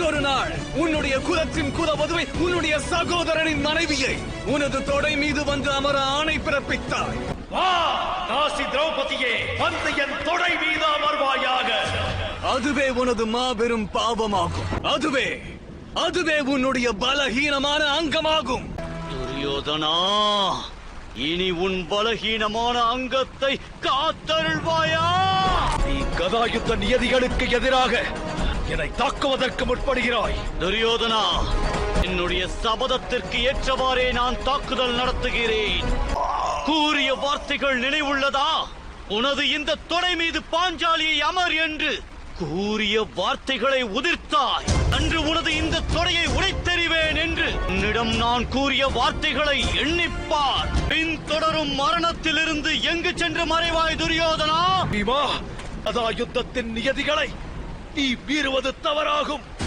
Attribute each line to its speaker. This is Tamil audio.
Speaker 1: என்றொரு நாள் உன்னுடைய குலத்தின் குலவதுவை உன்னுடைய சகோதரனின் மனைவியை உனது தொடை மீது வந்து அமர ஆணை பிறப்பித்தாய்.
Speaker 2: வா தாசி திரௌபதியே, வந்து என் தொடை மீது அமர்வாயாக.
Speaker 1: அதுவே உனது மாபெரும் பாவமாகும். அதுவே உன்னுடைய பலஹீனமான அங்கமாகும்.
Speaker 3: துரியோதனா, இனி உன் பலஹீனமான அங்கத்தை காத்தருள்வாயா?
Speaker 2: நீ கதாயுத்த நியதிகளுக்கு எதிராக என்னை தாக்குவதற்கு முற்படுகிறாய்.
Speaker 3: துரியோதனா, என்னுடைய சபதத்திற்கு ஏற்றவாறே நான் தாக்குதல் நடத்துகிறேன். கூறிய வார்த்தைகள் நினைவுள்ளதா? உனது இந்த தொடை மீது பாஞ்சாலியை அமர் என்று கூறிய வார்த்தைகளை உதிர்த்தாய். அன்று உனது இந்த தொடையை உடைத்தெறிவேன் என்று உன்னிடம் நான் கூறிய வார்த்தைகளை எண்ணிப்பார். பின் தொடரும் மரணத்திலிருந்து எங்கு சென்று மறைவாய் துரியோதனா?
Speaker 2: பீமா, கதாயுத்தத்தின் நியதிகளை நீ மீறுவது தவறாகும்.